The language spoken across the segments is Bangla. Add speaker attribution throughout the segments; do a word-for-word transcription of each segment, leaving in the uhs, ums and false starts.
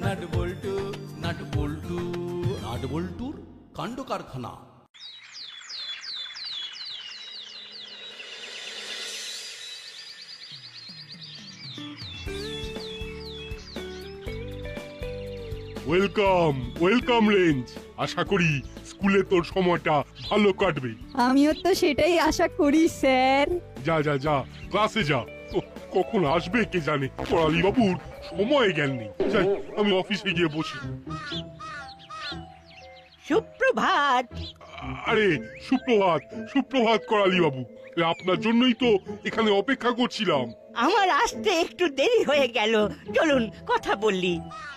Speaker 1: Nut bolt nut bolt nut বল্টুর কাণ্ড কারখানা।
Speaker 2: Welcome welcome range. আশা করি স্কুলে তোর সময়টা ভালো কাটবে।
Speaker 3: আমিও তো সেটাই আশা করি স্যার।
Speaker 2: যা যা যা ক্লাসে যা। ক- কখন আসবে কে জানে, পড়ালি বাবুর সময় জ্ঞান নেই। যাই আমি অফিসে গিয়ে বসি।
Speaker 4: সুপ্রভাত।
Speaker 2: আরে সুপ্রভাত সুপ্রভাত করালি বাবু, আপনার জন্যই তো এখানে অপেক্ষা করছিলাম।
Speaker 4: আমার আসতে একটু দেরি হয়ে গেল, চলুন কথা বললি।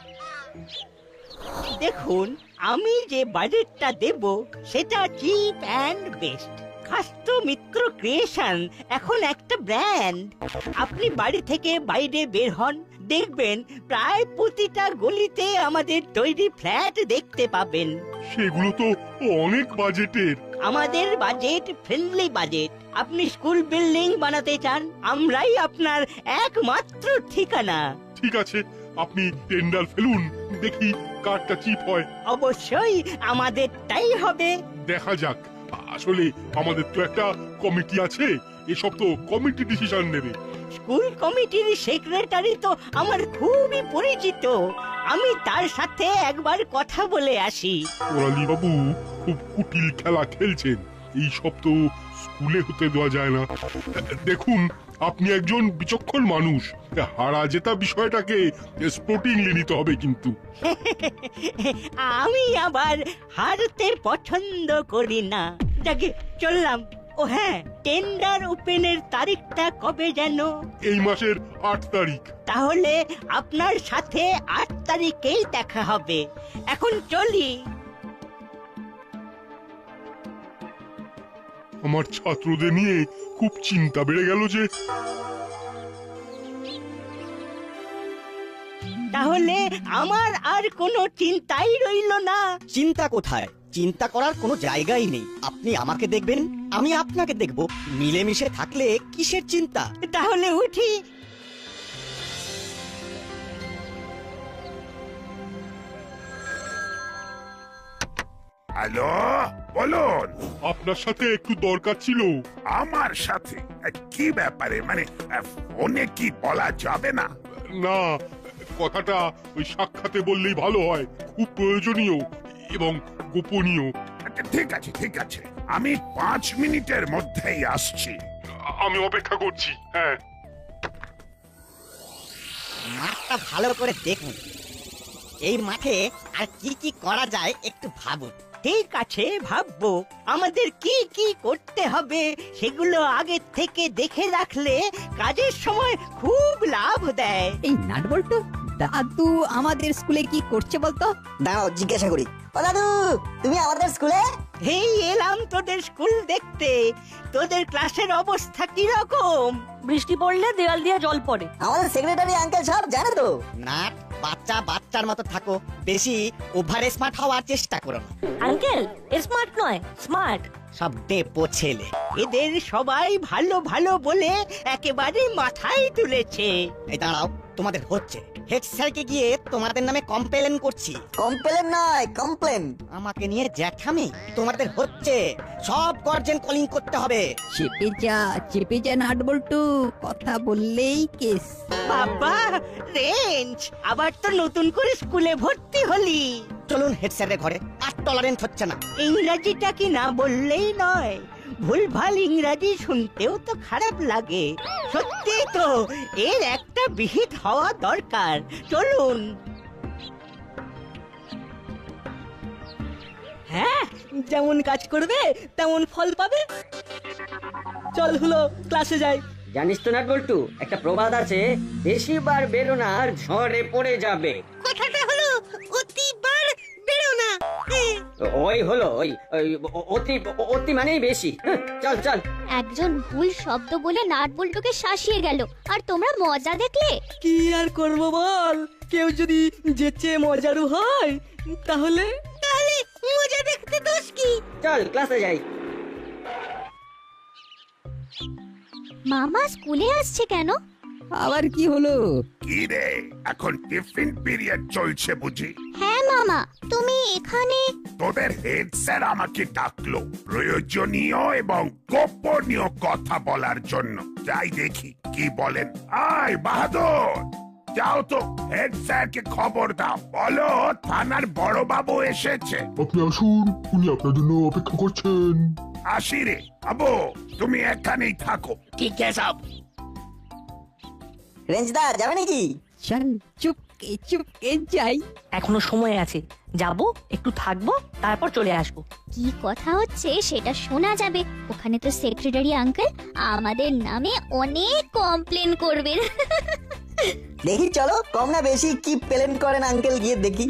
Speaker 4: দেখুন, আমি যে বাজেটটা দেব সেটা চিপ অ্যান্ড বেস্ট। খাস্তো মিত্র ক্রিয়েশন এখন একটা ব্র্যান্ড। আপনি বাড়ি থেকে বাইরে বের হন, দেখবেন প্রায় প্রতিটা গলিতে আমাদের তৈরি ফ্ল্যাট দেখতে পাবেন।
Speaker 2: সেগুলো তো অনেক বাজেটের।
Speaker 4: আমাদের বাজেট ফ্রেন্ডলি বাজেট। আপনি স্কুল বিল্ডিং বানাতে চান, আমরাই আপনার একমাত্র ঠিকানা।
Speaker 2: ঠিক আছে, আপনি টেন্ডার ফেলুন, দেখি কারটা চিপ হয়।
Speaker 4: অবশ্যই আমাদেরটাই হবে।
Speaker 2: দেখা যাক। আসলে আমাদের তো একটা কমিটি আছে, এসব তো কমিটি ডিসিশন নেবে।
Speaker 4: স্কুল কমিটির সেক্রেটারি তো আমার খুবই পরিচিত, আমি তার সাথে একবার কথা বলে আসি।
Speaker 2: কোরালি বাবু খুব কুটিল খেলা খেলছেন, এই সব তো স্কুলে হতে দেওয়া যায় না। দেখুন, আপনি একজন বিচক্ষণ মানুষ, হারা জেতা বিষয়টাকে স্পোর্টিংলি নিতে হবে কিন্তু।
Speaker 4: আমি আবার হারতে পছন্দ করি না। যাকে চললাম। ও হ্যাঁ, টেন্ডার ওপেনের তারিখটা কবে যেন?
Speaker 2: এই মাসের আট তারিখ।
Speaker 4: তাহলে আপনার সাথে আট তারিখেই দেখা হবে। এখন চলি।
Speaker 2: আমার ছাত্রদের নিয়ে খুব চিন্তা বেড়ে গেল যে।
Speaker 4: তাহলে আমার আর কোনো চিন্তাই রইল না।
Speaker 5: চিন্তা কোথায়? চিন্তা করার কোনো জায়গাই নেই। আপনি আমাকে দেখবেন, আমি আপনাকে দেখব। মিলেমিশে থাকলে কিসের চিন্তা?
Speaker 4: তাহলে উঠি।
Speaker 6: হ্যালো, বলুন।
Speaker 2: আপনার সাথে একটু দরকার ছিল।
Speaker 6: আমার সাথে কি ব্যাপারে? মানে ফোনে কি বলা যাবে না?
Speaker 2: না, কথাটা ওই সাক্ষাতে বললেই ভালো হয়। খুব প্রয়োজনীয় এবং গোপনীয়।
Speaker 6: আচ্ছা, ঠিক আছে ঠিক আছে, আমি পাঁচ মিনিটের মধ্যেই আসছি।
Speaker 2: আমি অপেক্ষা করছি। হ্যাঁ,
Speaker 5: মাঠটা ভালো করে দেখুন। এই মাঠে আর কি কি করা যায় একটু ভাবুন।
Speaker 4: ঠিক আছে, ভাববো। আমাদের কি কি করতে হবে সেগুলো আগে থেকে দেখে রাখলে কাজের সময় খুব লাভ দেয়।
Speaker 3: এই নাট বল্টু, দাদু আমাদের স্কুলে কি করছে বলতো?
Speaker 7: দাঁড়াও জিজ্ঞাসা করি। ও দাদু, তুমি আমাদের স্কুলে?
Speaker 4: এই এলাম তোদের স্কুল দেখতে। তোদের ক্লাসের অবস্থা কি রকম?
Speaker 8: বৃষ্টি পড়লে দেওয়াল দিয়ে জল পড়ে।
Speaker 7: আমাদের সেক্রেটারি আঙ্কেল সব জানে তো।
Speaker 5: না, বাচ্চা বাচ্চার মতো থাকো, বেশি ওভার স্মার্ট হওয়ার চেষ্টা করো না।
Speaker 8: আঙ্কেল স্মার্ট নয়, স্মার্ট।
Speaker 5: সব ডেপো ছেলে।
Speaker 4: এদের সবাই ভালো ভালো বলে একেবারে মাথায় তুলেছে।
Speaker 5: এই দাঁড়াও, তোমাদের হচ্ছে। হেড স্যারকে গিয়ে তোমাদের নামে কমপ্লেন করছি।
Speaker 7: কমপ্লেন নয়, কমপ্লেন।
Speaker 5: আমাকে নিয়ে জ্যাঠামি? তোমাদের হচ্ছে। সব গার্জেন কলিং করতে হবে।
Speaker 3: চেপে যা চেপে যা নাট বল্টু, কথা বললেই কেস।
Speaker 4: বাবা, রেঞ্জ, আবার তো নতুন করে স্কুলে ভর্তি হলি।
Speaker 5: চলুন হেড স্যারের ঘরে, আর টলারেন্ট হচ্ছে না।
Speaker 4: ইংরাজিটা কি না বললেই নয়। ভুলভাল ইংরাজি শুনতেও তো খারাপ লাগে। সত্যি তো, এর একটা বিহিত হওয়া দরকার। চলুন।
Speaker 9: হ্যাঁ, যেমন কাজ করবে তেমন ফল পাবে। চল হলো, ক্লাসে যাই।
Speaker 10: জানিস তো নাট বল্টু, একটা প্রবাদ আছে, বেশিবার বেরো না আর ঝড়ে পড়ে যাবে।
Speaker 4: কথাটা হলো অতিবার বেরো না।
Speaker 10: ওই হলো ওই ওই অতি অতি মানেই বেশি। হ্যাঁ, চল চল।
Speaker 11: একজন ভুল শব্দ বলে নাট বল্টুকে শাসিয়ে গেল, আর তোমরা মজা দেখলে।
Speaker 9: কি আর করব বল, কেউ যদি যেচে মজারু হয় তাহলে
Speaker 4: তাহলে মজা দেখতে দোষ কি?
Speaker 10: চল ক্লাসে যাই।
Speaker 11: মামা স্কুলে আসছে কেন?
Speaker 3: আবার কি হলো?
Speaker 6: কি রে, এখন টিফিন পিরিয়ড চলছে বুঝি?
Speaker 11: হ্যাঁ মামা, তুমি এখানে?
Speaker 6: তোদের হেড স্যার আমাকে ডাকলো প্রয়োজনীয় এবং গোপনীয় কথা বলার জন্য। যাই দেখি কি বলেন। আয় বাহাদুর, যাও তো হেড স্যারকে খবর দাও, বলো থানার বড় বাবু এসেছে।
Speaker 2: আপনি আসুন, উনি আপনার জন্য অপেক্ষা করছেন।
Speaker 6: আসি রে বাবু, তুমি এখানেই থাকো।
Speaker 4: ঠিক আছে সব।
Speaker 7: রেঞ্জদা যাবে নাকি?
Speaker 3: চল চুপকে চুপকে যাই।
Speaker 8: এখনো সময় আছে, যাব একটু থাকবো তারপর চলে আসবো।
Speaker 11: কি কথা হচ্ছে সেটা শোনা যাবে। ওখানে তো সেক্রেটারি আঙ্কেল আমাদের নামে অনেক কমপ্লেন করবেন।
Speaker 7: দেখি চলো, কম না বেশি কি প্লেন করেন আঙ্কেল, গিয়ে দেখি।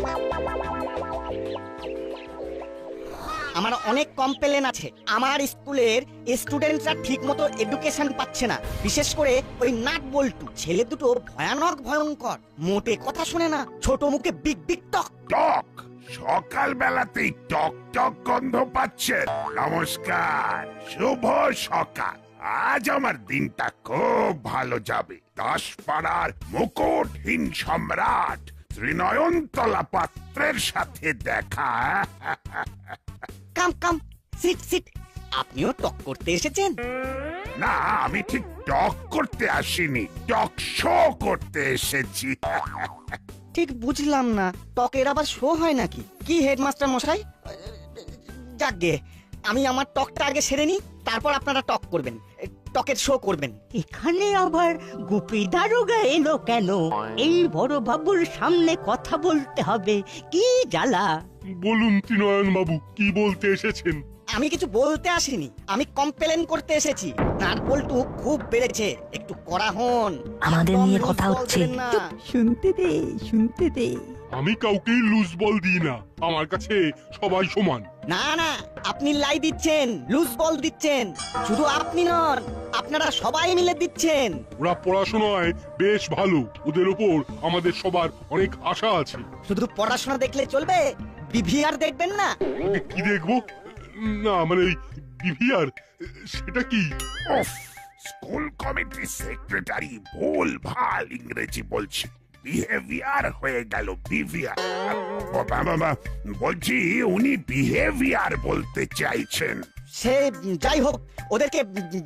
Speaker 5: আমার অনেক কমপ্লেন আছে। আমার স্কুলের স্টুডেন্টরা ঠিক মতো এডুকেশন পাচ্ছে না, বিশেষ করে ওই নাট বল্টু ছেলে দুটো ভয়ানক ভয়ঙ্কর, মোটে কথা শোনে না, ছোট মুখে বিগ বিগ টক
Speaker 6: টক সকাল বেলাতেই টক টক গন্ধ পাচ্ছেন। নমস্কার, শুভ সকাল। আজ আমার দিনটা খুব ভালো যাবে। দাসপাড়ার মুকুটহীন সম্রাট শ্রীনয়নতলা পাত্রের সাথে দেখা।
Speaker 5: Come come sit sit. আপনিও টক করতে এসেছেন?
Speaker 6: না, আমি ঠিক টক করতে আসিনি, টক শো করতে এসেছি।
Speaker 5: ঠিক বুঝলাম না, টকের আবার শো হয় নাকি? কি হেডমাস্টার মশাই? যাকগে, আমি আমার টকটা আগে সেরে নিই, তারপর আপনারা টক করবেন, টকের শো করবেন।
Speaker 4: এখানে আবার গুপি দারোগা এলো কেন? এই বড় বাবুর সামনে কথা বলতে হবে, কি জ্বালা।
Speaker 2: বলুন ত্রিনয়ন বাবু, কি বলতে এসেছেন?
Speaker 5: আমি কিছু বলতে আসিনি, আমি কমপ্লেন করতে এসেছি। নাট বল্টু খুব বেড়েছে, একটু কড়া হন।
Speaker 8: আমাদের
Speaker 5: একদম
Speaker 8: নিয়ে
Speaker 5: লুজ
Speaker 8: কথা
Speaker 5: বল
Speaker 8: হচ্ছে।
Speaker 5: দেবেন না।
Speaker 3: শুনতে দে শুনতে দে।
Speaker 2: আমি কাউকেই লুজ বল দিই না, আমার কাছে সবাই সমান।
Speaker 5: না না, আপনি লাই দিচ্ছেন, লুজ বল দিচ্ছেন। শুধু আপনি নন, আপনারা সবাই মিলে দিচ্ছেন।
Speaker 2: ওরা পড়াশোনায় বেশ ভালো, ওদের ওপর আমাদের সবার অনেক আশা আছে।
Speaker 5: শুধু পড়াশোনা দেখলে চলবে? বিভিআর দেখবেন না?
Speaker 2: কি দেখবো? না মানে বিভিআর, সেটা কি?
Speaker 6: উফ, স্কুল কমিটি সেক্রেটারি ভুল ভাল ইংরেজি বলছে, বিহেভিয়ার হয়ে গেল বিভিআর। বলছি উনি বিহেভিয়ার বলতে চাইছেন।
Speaker 5: সে যাই হোক, ওদেরকে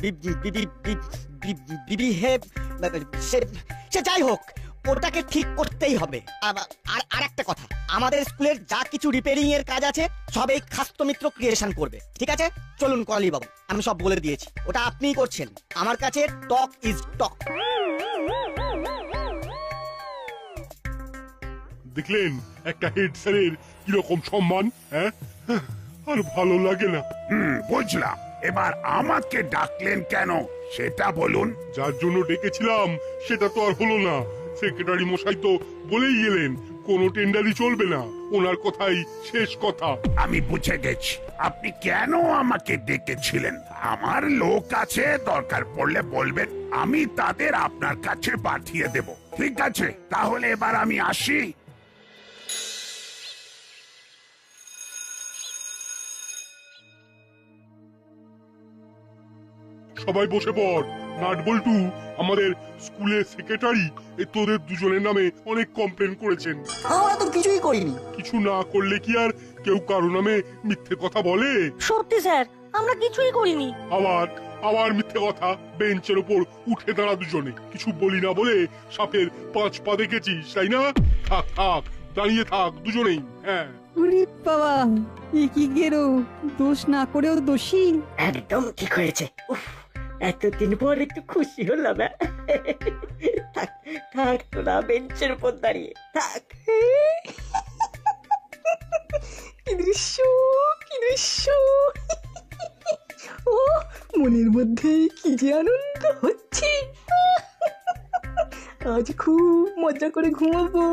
Speaker 5: বিহেভ সে যাই হোক, ওটাকে ঠিক করতেই হবে। আবার- আর আর একটা কথা, আমাদের স্কুলের যা কিছু রিপেয়ারিং এর কাজ আছে সব এই খাস্তো মিত্র ক্রিয়েশন করবে, ঠিক আছে? চলুন করালি বাবু, আমি সব বলে দিয়েছি, ওটা আপনিই করছেন। আমার কাছে টক ইজ টক।
Speaker 2: দেখলেন একটা হেড স্যারের কিরকম সম্মান, হ্যাঁ? আর ভালো লাগে না।
Speaker 6: হুম, বুঝলাম। এবার আমাকে ডাকলেন কেন সেটা বলুন।
Speaker 2: যার জন্য ডেকেছিলাম সেটা তো আর হলো না। সেক্রেটারি মশাই তো বলেই গেলেন কোনো টেন্ডারই চলবে না, ওনার কথাই শেষ কথা।
Speaker 6: আমি বুঝে গেছি আপনি কেন আমাকে ডেকেছিলেন। আমার লোক আছে, দরকার পড়লে বলবেন, আমি তাদের আপনার কাছে পাঠিয়ে দেব। ঠিক আছে, তাহলে এবার আমি আসি।
Speaker 2: সবাই বসে পড়। নাট বল্টু আমাদের স্কুলের সেক্রেটারি তোদের দুজনের নামে অনেক কমপ্লেন করেছেন।
Speaker 7: আমরা তো কিছুই করিনি।
Speaker 2: কিছু না করলে কি আর কেউ কারো নামে মিথ্যে কথা বলে?
Speaker 8: সত্যি স্যার, আমরা কিছুই করিনি।
Speaker 2: আবার আবার মিথ্যে কথা। বেঞ্চের উপর উঠে দাঁড়া দুজনে, কিছু বলি না বলে সাপের পাঁচ পা দেখেছিস তাই না? থাক থাক, দাঁড়িয়ে থাক দুজনেই। হ্যাঁ,
Speaker 3: ওরে বাবা, এ কি গেরো, দোষ না করেও দোষী।
Speaker 10: একদম ঠিক হয়েছে। উফ, এতদিন পর একটু খুশি হলাম। থাক থাক, তোরা বেঞ্চের উপর দাঁড়িয়ে থাক।
Speaker 9: কি দৃশ্য, কি দৃশ্য! ও, মনের মধ্যে কি যে আনন্দ হচ্ছে। আজ খুব মজা করে ঘুমাবো।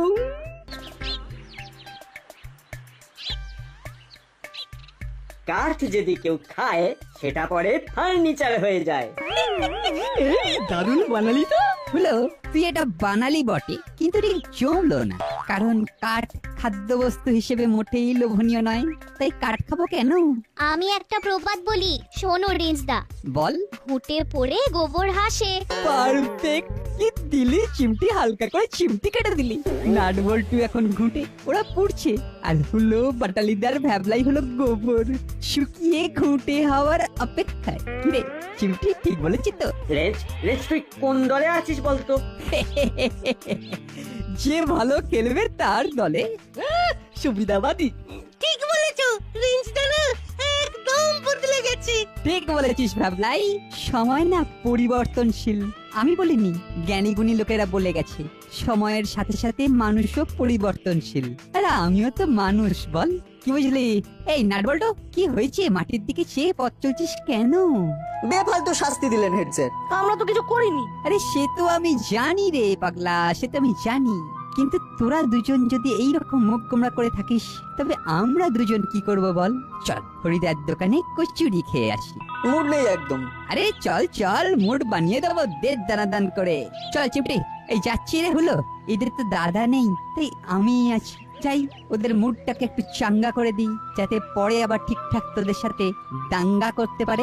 Speaker 10: কাঠ যদি কেউ খায় সেটা পরে ফার্নিচার হয়ে যায়।
Speaker 9: এই দারুণ বানালি তো।
Speaker 3: হলো, তুই এটা বানালি বটে, কিন্তু ঠিক জমলো না। কারণ কাঠ খাদ্যবস্তু হিসেবে মোটেই লোভনীয় নয়, তাই কাঠ খাবো কেন?
Speaker 11: আমি একটা প্রবাদ বলি, শোনো রেঞ্জদা।
Speaker 3: বল।
Speaker 11: ঘুটে পড়ে গোবর হাসে।
Speaker 9: পারফেক্ট
Speaker 3: কি দিলি চিমটি, হালকা করে চিমটি কেটে দিলি। নাট বল্টু এখন ঘুঁটে ওরা পুড়ছে, আর হলো বাটালিদার ভ্যাবলাই হলো গোবর, শুকিয়ে ঘুঁটে হওয়ার অপেক্ষায়। রে চিমটি ঠিক বলেছি তো?
Speaker 10: রেঞ্জ রেঞ্জ তুই কোন দলে আছিস বলতো?
Speaker 3: যে ভালো খেলবে তার দলে।
Speaker 9: সুবিধাবাদী।
Speaker 4: ঠিক বলেছো রিঞ্জ দাদা, একদম বদলে গেছে।
Speaker 3: ঠিক বলেছিস ভাবলাই, সময় না পরিবর্তনশীল। আমি বলিনি, জ্ঞানী গুণী লোকেরা বলে গেছে সময়ের সাথে সাথে মানুষও পরিবর্তনশীল। আর আমিও তো মানুষ, বল কি বুঝলি? এই নাটবল্টু, কি হয়েছে? মাটির দিকে চেয়ে পথ চলছিস কেন?
Speaker 7: বেফালতু শাস্তি দিলেন হেড স্যার।
Speaker 8: আমরা তো কিছু করিনি।
Speaker 3: আরে সে তো আমি জানি রে পাগলা, সে তো আমি জানি। কিন্তু তোরা দুজন যদি এইরকম মুখ গোমড়া করে থাকিস, তবে আমরা দুজন কি করব বল? চল হরিদার দোকানে কচুরি খেয়ে আসি।
Speaker 7: মুড নেই একদম।
Speaker 3: আরে চল চল, মুড বানিয়ে দেবো দেড় দানা দান করে। চল চিমটি, এই যাচ্ছি রে। হলো এদের তো দাদা নেই, তাই আমি আছি। যাই, ওদের মুডটাকে একটু চাঙ্গা করে দিই, যাতে পরে আবার ঠিকঠাক তোদের সাথে দাঙ্গা করতে পারে।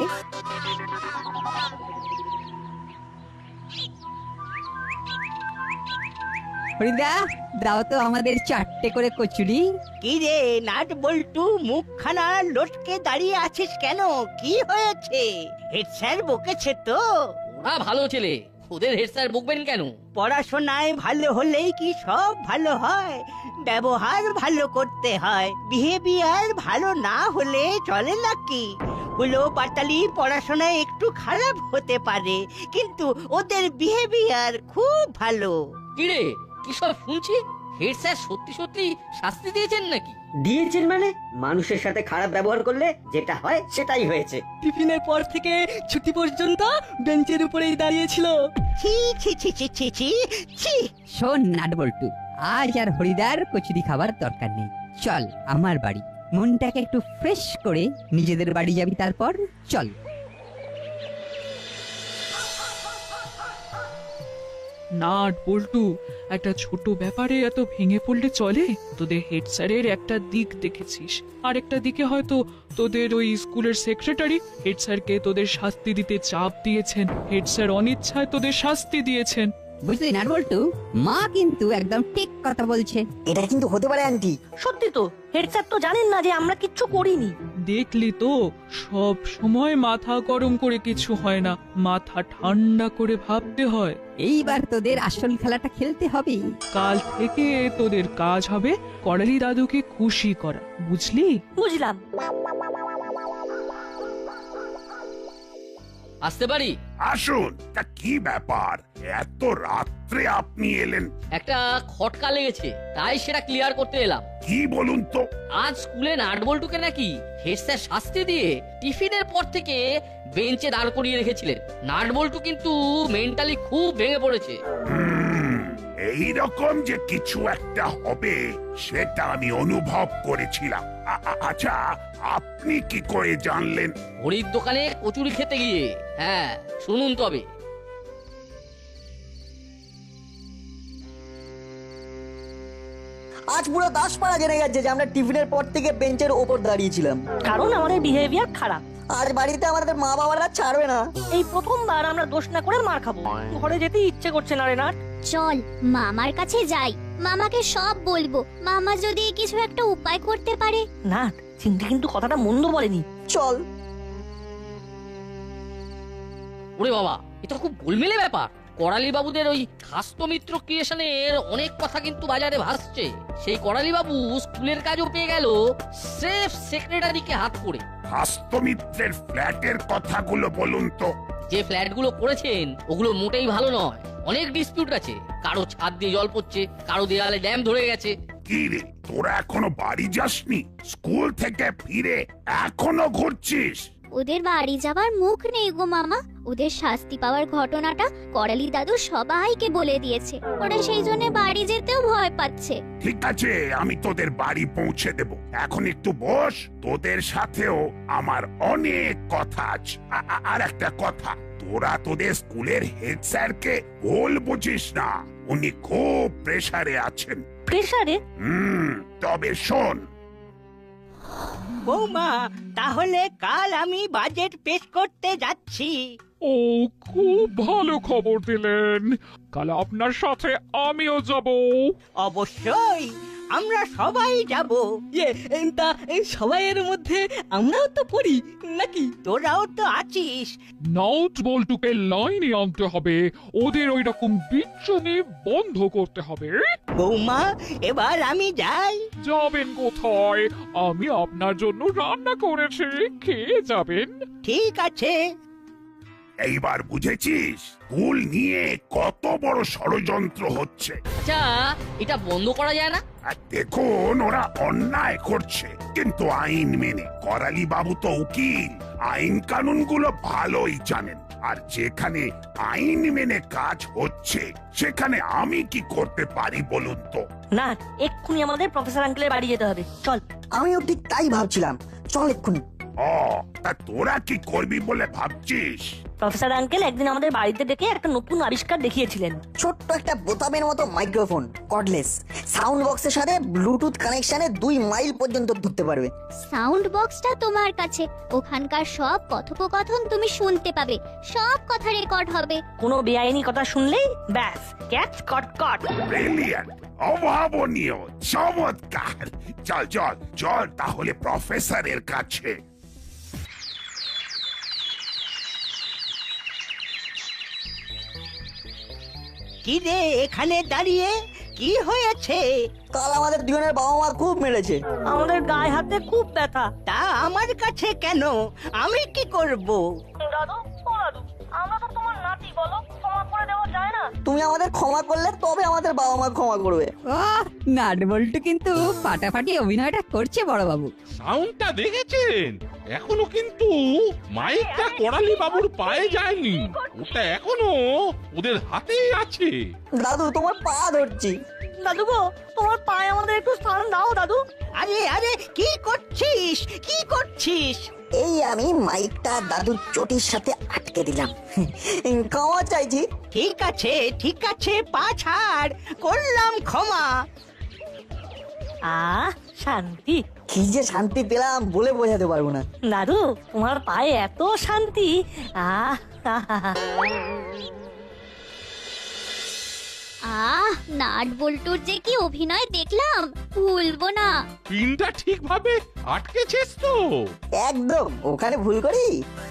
Speaker 3: হরিদা, দাও তো আমাদের চারটে করে কচুরি।
Speaker 4: কি রে নাট বল্টু, মুখখানা লটকে দাঁড়িয়ে আছিস কেন? কি হয়েছে? হেড স্যার বকেছে তো?
Speaker 12: ওরা ভালো ছেলে, ওদের হেড স্যার বকবেন কেন?
Speaker 4: পড়াশোনায় ভালো হলেই কি সব ভালো হয়? ব্যবহার ভালো করতে হয়, বিহেভিয়ার ভালো না হলে চলে নাকি? হলো পাটালি পড়াশোনায় একটু খারাপ হতে পারে, কিন্তু ওদের বিহেভিয়ার খুব ভালো।
Speaker 12: কিরে, কি সব শুনছি? হেড স্যার সত্যি সত্যি শাস্তি দিয়েছেন নাকি?
Speaker 10: দিয়েছেন মানে? মানুষের সাথে খারাপ ব্যবহার করলে যেটা হয় সেটাই হয়েছে।
Speaker 9: টিফিনের পর থেকে ছুটি পর্যন্ত বেঞ্চের উপরেই দাঁড়িয়েছিল।
Speaker 4: ছি ছি ছি ছি ছি ছি ছি।
Speaker 3: শোন নাটবল্টু, আজ আর হরিদার কচুরি খাবার দরকার নেই। চল আমার বাড়ি, মনটাকে একটু ফ্রেশ করে নিজেদের বাড়ি যাবি। তারপর চল।
Speaker 13: নাট বল্টু, একটা ছোট ব্যাপারে এত ভেঙে পড়লে চলে? তোদের হেড স্যারের একটা দিক দেখেছিস, আর একটা দিকে হয়তো তোদের ওই স্কুলের সেক্রেটারি হেড স্যারকে তোদের শাস্তি দিতে চাপ দিয়েছেন। হেড স্যার অনিচ্ছায় তোদের শাস্তি দিয়েছেন।
Speaker 3: বুঝলি নাটবল্টু, মা কিন্তু একদম ঠিক কথা বলছে।
Speaker 7: এটা কিন্তু হতে পারে আন্টি।
Speaker 8: সত্যি তো, হেড স্যার তো জানেন না যে আমরা কিচ্ছু করিনি।
Speaker 13: দেখলি তো, সব সময় মাথা গরম করে কিছু হয় না, মাথা ঠান্ডা করে ভাবতে হয়।
Speaker 3: এইবার তোদের আসল খেলাটা খেলতে হবে।
Speaker 13: কাল থেকে তোদের কাজ হবে করালি দাদুকে খুশি করা, বুঝলি?
Speaker 8: বুঝলাম।
Speaker 12: আসতে পারি?
Speaker 6: আসুন। তা কি ব্যাপার, এত রাত্রে আপনি এলেন?
Speaker 12: একটা খটকা লেগেছে, তাই সেটা ক্লিয়ার করতে এলাম।
Speaker 6: কি বলুন তো?
Speaker 12: আজ স্কুলে নাটবল্টুকে নাকি হেড স্যার শাস্তি দিয়ে টিফিনের পর থেকে বেঞ্চে দাঁড় করিয়ে রেখেছিলেন। নাটবল্টু কিন্তু মেন্টালি খুব ভেঙে পড়েছে।
Speaker 6: এইরকম যে কিছু একটা হবে সেটা আমি অনুভব করেছিলাম। আ- আ- আচ্ছা, আপনি কি করে জানলেন?
Speaker 12: হরির দোকানে কচুরি খেতে গিয়ে। হ্যাঁ, শুনুন তবে।
Speaker 7: আজ পুরো দাসপাড়া জেনে গেছে যে আমরা টিফিনের পর থেকে বেঞ্চের ওপর দাঁড়িয়েছিলাম,
Speaker 8: কারণ আমাদের বিহেভিয়ার খারাপ।
Speaker 7: আজ বাড়িতে আমাদের মা বাবারা ছাড়বে না।
Speaker 8: এই প্রথমবার আমরা দোষ না করে মার খাবো। ঘরে যেতে ইচ্ছে করছে না রে নাট।
Speaker 11: চল মামার কাছে যাই, মামাকে সব বলবো। মামা যদি কিছু একটা উপায় করতে পারে।
Speaker 8: নাট, চিন্তা কিন্তু কথাটা মন্দ বলেনি।
Speaker 7: চল।
Speaker 12: ওরে বাবা, এটা খুব গোলমেলে ব্যাপার। করালি বাবুদের ওই খাস্ত মিত্র ক্রিয়েশনের অনেক কথা কিন্তু বাজারে ভাসছে। সেই করালি বাবু স্কুলের কাজও পেয়ে গেল স্রেফ সেক্রেটারিকে হাত করে।
Speaker 6: হাস্তমিত্রের ফ্ল্যাটের কথাগুলো বলুন তো।
Speaker 12: যে ফ্ল্যাটগুলো করেছেন ওগুলো মোটেই ভালো নয়, অনেক ডিসপিউট আছে। কারো ছাদ দিয়ে জল পড়ছে, কারো দেয়ালে ড্যাম ধরে গেছে।
Speaker 6: কি রে, তোরা এখনো বাড়ি যাসনি? স্কুল থেকে ফিরে এখনো ঘুরছিস?
Speaker 11: ওদের বাড়ি যাবার মুখ নেই গো মামা। ওদের শাস্তি পাওয়ার ঘটনাটা করালি দাদু সবাইকে বলে দিয়েছে। ওরা সেই জন্য বাড়ি যেতেও ভয় পাচ্ছে।
Speaker 6: ঠিক আছে, আমি তোদের বাড়ি পৌঁছে দেব। এখন একটু বস, তোদের সাথেও আমার অনেক কথা আছে। আ- আ- আর একটা কথা, তোরা তোদের স্কুলের হেড স্যারকে ভুল বুঝিস না, উনি খুব প্রেসারে আছেন।
Speaker 8: প্রেসারে?
Speaker 6: হুম, তবে শোন।
Speaker 4: বৌমা, তাহলে কাল আমি বাজেট পেশ করতে যাচ্ছি।
Speaker 13: ও খুব ভালো খবর দিলেন, কাল আপনার সাথে আমিও যাব।
Speaker 4: অবশ্যই আমরা সবাই যাব।
Speaker 9: ইয়ে এম, তা এই সবাইয়ের মধ্যে আমরাও তো পড়ি নাকি?
Speaker 4: তোরাও তো আছিস।
Speaker 13: নাট বল্টুকে লাইনে আনতে হবে, ওদের ওই রকম বিচ্ছুনি বন্ধ করতে হবে।
Speaker 4: বৌমা এবার আমি যাই।
Speaker 13: যাবেন কোথায়? আমি আপনার জন্য রান্না করেছি, খেয়ে যাবেন।
Speaker 4: ঠিক আছে।
Speaker 6: এইবার বুঝেছিস স্কুল নিয়ে কত বড় ষড়যন্ত্র হচ্ছে।
Speaker 12: আচ্ছা এটা বন্ধ করা যায় না?
Speaker 6: আর দেখুন ওরা অন্যায় করছে কিন্তু আইন মেনে। করালি বাবু তো উকিল, আইন কানুন গুলো ভালোই জানেন। আর যেখানে আইন মেনে কাজ হচ্ছে সেখানে আমি কি করতে পারি বলুন তো?
Speaker 8: না, এক্ষুনি আমাদের প্রফেসর আঙ্কেলের বাড়ি যেতে হবে, চল।
Speaker 7: আমিও ঠিক তাই ভাবছিলাম, চল এক্ষুনি।
Speaker 6: ও তা তোরা কি করবি বলে ভাবছিস?
Speaker 8: প্রফেসর আঙ্কেল একদিন আমাদের বাড়িতে ডেকে একটা নতুন আবিষ্কার দেখিয়েছিলেন।
Speaker 7: ছোট্ট একটা বোতামের মতো মাইক্রোফোন, কর্ডলেস, সাউন্ড বক্সের সাথে ব্লুটুথ কানেকশনে দুই মাইল পর্যন্ত ধরতে পারবে।
Speaker 11: সাউন্ড বক্সটা তোমার কাছে, ওখানকার সব কথোপকথন তুমি শুনতে পাবে, সব কথা রেকর্ড হবে।
Speaker 8: কোনো বেআইনি কথা শুনলেই ব্যাস ক্যাচ কট কট।
Speaker 6: ব্রিলিয়ান্ট, অভাবনীয়, চমৎকার। চল চল চল তাহলে প্রফেসরের কাছে।
Speaker 4: কি রে এখানে দাঁড়িয়ে কি হয়েছে?
Speaker 7: কাল আমাদের দুজনের বাবা মা খুব মেরেছে।
Speaker 8: আমাদের গায়ে হাতে খুব ব্যথা।
Speaker 4: তা আমার কাছে কেন? আমি কি করব?
Speaker 8: দাদু, ও দাদু, আমরা তো তোমার নাতি, বলো ক্ষমা করে দেওয়া যায় না?
Speaker 7: তুমি আমাদের ক্ষমা করলে তবে আমাদের বাবা মা ক্ষমা করবে।
Speaker 3: আহ, নাট বল্টু কিন্তু ফাটাফাটি অভিনয়টা করছে বড় বাবু।
Speaker 14: সাউন্ডটা দেখেছেন? এখনো কিন্তু মাইকটা করালি বাবুর পায়ে যায়নি, ওটা এখনো ওদের হাতেই আছে।
Speaker 7: দাদু তোমার পা ধরছি।
Speaker 8: দাদু গো, তোমার পায়ে আমাদের একটু স্থান দাও দাদু।
Speaker 4: আরে আরে কি করছিস? কি করছিস?
Speaker 7: এই আমি মাইকটা দাদুর চটির সাথে আটকে দিলাম, ক্ষমা চাইছি।
Speaker 4: ঠিক আছে ঠিক আছে, পা ছাড়, করলাম ক্ষমা।
Speaker 8: আহ শান্তি,
Speaker 7: কি যে শান্তি পেলাম বলে বোঝাতে পারবো না।
Speaker 8: দাদু তোমার পায়ে এত শান্তি। আহ
Speaker 11: আহ, নাট বল্টুর যে কি অভিনয় দেখলাম, ভুলবো না।
Speaker 14: পিনটা ঠিকভাবে আটকেছিস তো?
Speaker 7: একদম, ওখানে ভুল করি?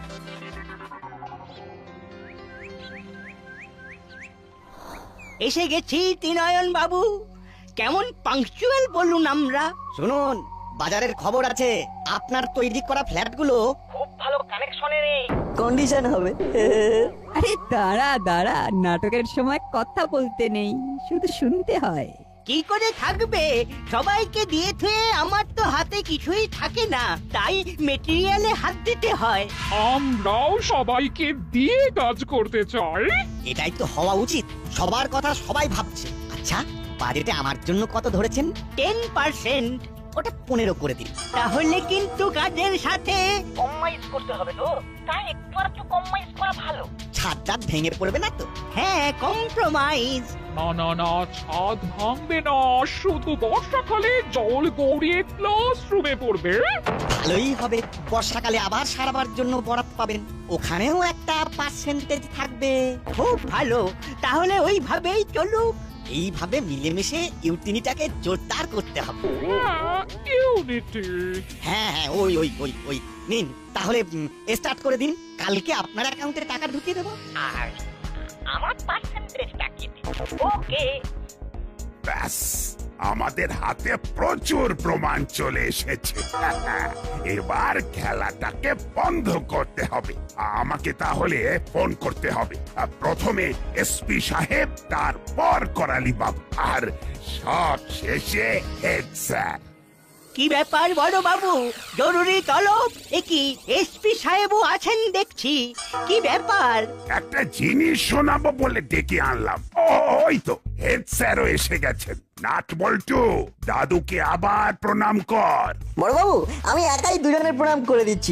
Speaker 4: এসে গেছি ত্রিনয়ন বাবু। কেমন পাংচুয়াল বলুন আমরা।
Speaker 5: শুনুন, বাজারের খবর আছে আপনার তৈরি করা ফ্ল্যাটগুলো
Speaker 10: খুব ভালো কানেকশনে নেই,
Speaker 7: কন্ডিশন হবে।
Speaker 3: আরে দাঁড়া দাঁড়া, নাটকের সময় কথা বলতে নেই, শুধু শুনতে হয়।
Speaker 4: কি করে থাকবে? সবাইকে দিয়ে থুয়ে আমার তো হাতে কিছুই থাকে না, তাই মেটেরিয়ালে হাত দিতে হয়।
Speaker 13: আমরাও সবাইকে দিয়ে কাজ করতে চাই।
Speaker 5: এটাই তো হওয়া উচিত, সবার কথা সবাই ভাবছে। আচ্ছা, বাজেটে আমার জন্য কত ধরেছেন?
Speaker 4: Ten percent.
Speaker 5: ওটা পনেরো করে দিন।
Speaker 4: তাহলে কিন্তু কাজের সাথে
Speaker 10: কম্প্রোমাইজ করতে হবে তো, তাই একটু আর একটু কম্প্রোমাইজ করা ভালো।
Speaker 5: ছাদ টাদ ভেঙে পড়বে না তো?
Speaker 4: হ্যাঁ, কম্প্রোমাইজ।
Speaker 13: না না না, ছাদ ভাঙবে না, শুধু বর্ষাকালে জল গড়িয়ে ক্লাসরুমে পড়বে।
Speaker 5: ভালোই হবে, বর্ষাকালে আবার সারাবার জন্য বরাত পাবেন, ওখানেও একটা পার্সেন্টেজ থাকবে।
Speaker 4: খুব ভালো, তাহলে ওইভাবেই চলুক।
Speaker 5: এইভাবে মিলেমিশে ইউটিনিটাকে জোরদার করতে হবে।
Speaker 13: ইউনিটি।
Speaker 5: হ্যাঁ হ্যাঁ, ওই ওই ওই ওই নিন, তাহলে স্টার্ট করে দিন। কালকে আপনার অ্যাকাউন্টে টাকা ঢুকিয়ে দেবো।
Speaker 10: আর আমার পার্সেন্টেজটা কি? ওকে,
Speaker 6: ব্যাস আমাদের হাতে প্রচুর প্রমাণ চলে এসেছে। এবার খেলাটাকে বন্ধ করতে হবে। আমাকে তাহলে ফোন করতে হবে, প্রথমে এসপি সাহেব, তারপর করালি বাবু, আর সব শেষে হেড স্যার।
Speaker 4: কি ব্যাপার বড় বাবু, জরুরি তলব? এ কি, এসপি সাহেবও আছেন দেখছি, কি ব্যাপার?
Speaker 6: একটা জিনিস শোনাবো বলে ডেকে আনলাম। ওই তো হেড স্যারও এসে গেছেন। নাট বল্টু, দাদুকে আবার প্রণাম কর।
Speaker 7: বড়বাবু, আমি একাই দুজনের প্রণাম করে দিচ্ছি।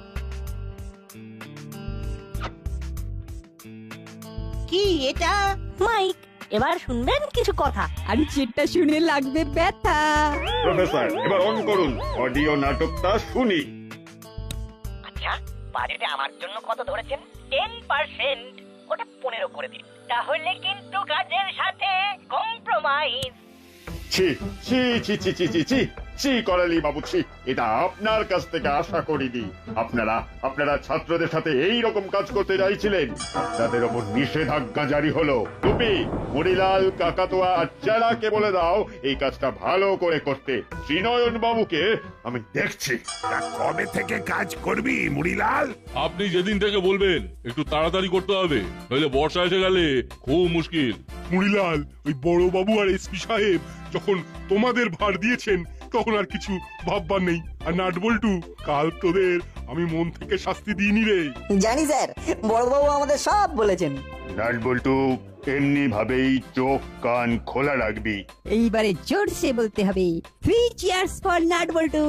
Speaker 4: কি এটা?
Speaker 8: মাইক, এবার শুনবেন কিছু কথা।
Speaker 3: আর যেটা শুনে লাগবে ব্যথা।
Speaker 15: প্রফেসর, এবার অন করুন, অডিও নাটকটা শুনি।
Speaker 10: আচ্ছা, বাজেটে আমার জন্য কত ধরেছেন?
Speaker 4: টেন পার্সেন্ট ওটা পনেরো করে দিন, তাহলে কিন্তু কাজের সাথে কম্প্রোমাইজ।
Speaker 15: ছি ছি ছি ছি ছি ছি ছি ছি করালি বাবু, ছি, এটা আপনার কাছ থেকে আশা করিনি। আপনারা আপনারা ছাত্রদের সাথে এই রকম কাজ করতে চাইছিলেন, আপনাদের ওপর নিষেধাজ্ঞা জারি হলো। টুপি, মরিলাল, কাকাতোয়া আর চেলাকে বলে দাও এই কাজটা ভালো করে করতে। শ্রীনয়ন বাবুকে আমি দেখছি।
Speaker 6: তা কবে থেকে কাজ করবি মুড়িলাল?
Speaker 14: আপনি যেদিন থেকে বলবেন একটু তাড়াতাড়ি করতে হবে, নইলে বর্ষা এসে গেলে খুব মুশকিল।
Speaker 2: মুড়িলাল, ওই বড় বাবু আর এসপি সাহেব যখন তোমাদের ভার দিয়েছেন তখন আর কিছু ভাববার নেই। আর নাট বল্টু, কাল তোদের আমি মন থেকে শাস্তি দিইনি রে।
Speaker 7: জানি স্যার, বড়বাবু আমাদের সব বলেছেন।
Speaker 15: নাট বল্টু, এমনি ভাবেই চোখ কান খোলা রাখবি।
Speaker 3: এইবারে জোরসে বলতে হবে, three cheers for nut bolt.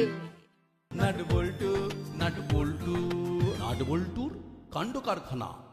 Speaker 1: Nut bolt nut bolt nut বল্টুর কাণ্ড কারখানা।